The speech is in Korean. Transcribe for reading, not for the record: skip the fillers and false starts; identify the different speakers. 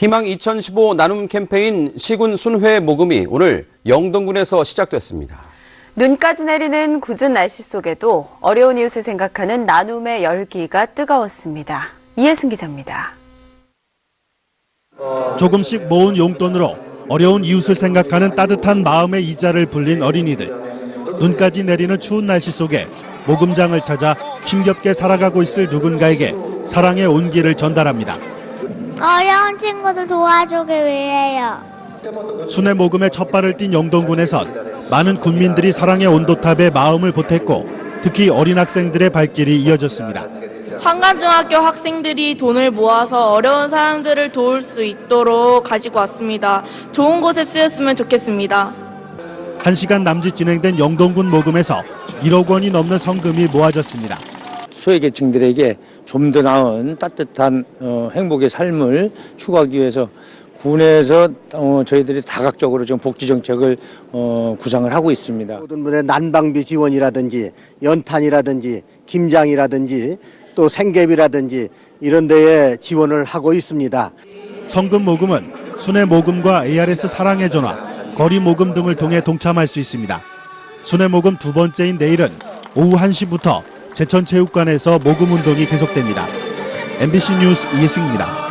Speaker 1: 희망 2015 나눔 캠페인 시군 순회 모금이 오늘 영동군에서 시작됐습니다.
Speaker 2: 눈까지 내리는 궂은 날씨 속에도 어려운 이웃을 생각하는 나눔의 열기가 뜨거웠습니다. 이혜승 기자입니다.
Speaker 3: 조금씩 모은 용돈으로 어려운 이웃을 생각하는 따뜻한 마음의 이자를 불린 어린이들. 눈까지 내리는 추운 날씨 속에 모금장을 찾아 힘겹게 살아가고 있을 누군가에게 사랑의 온기를 전달합니다.
Speaker 4: 어려운 친구들 도와주기 위해요.
Speaker 3: 순회 모금에 첫 발을 띈 영동군에선 많은 군민들이 사랑의 온도탑에 마음을 보탰고 특히 어린 학생들의 발길이 이어졌습니다.
Speaker 5: 환관중학교 학생들이 돈을 모아서 어려운 사람들을 도울 수 있도록 가지고 왔습니다. 좋은 곳에 쓰였으면 좋겠습니다.
Speaker 3: 1시간 남짓 진행된 영동군 모금에서 1억 원이 넘는 성금이 모아졌습니다.
Speaker 6: 소외계층들에게 좀 더 나은 따뜻한 행복의 삶을 추구하기 위해서 군에서 저희들이 다각적으로 지금 복지 정책을 구상을 하고 있습니다.
Speaker 7: 모든 분의 난방비 지원이라든지 연탄이라든지 김장이라든지 또 생계비라든지 이런 데에 지원을 하고 있습니다.
Speaker 3: 성금 모금은 순회 모금과 ARS 사랑의 전화, 거리 모금 등을 통해 동참할 수 있습니다. 순회 모금 두 번째인 내일은 오후 1시부터 제천체육관에서 모금 운동이 계속됩니다. MBC 뉴스 이혜승입니다.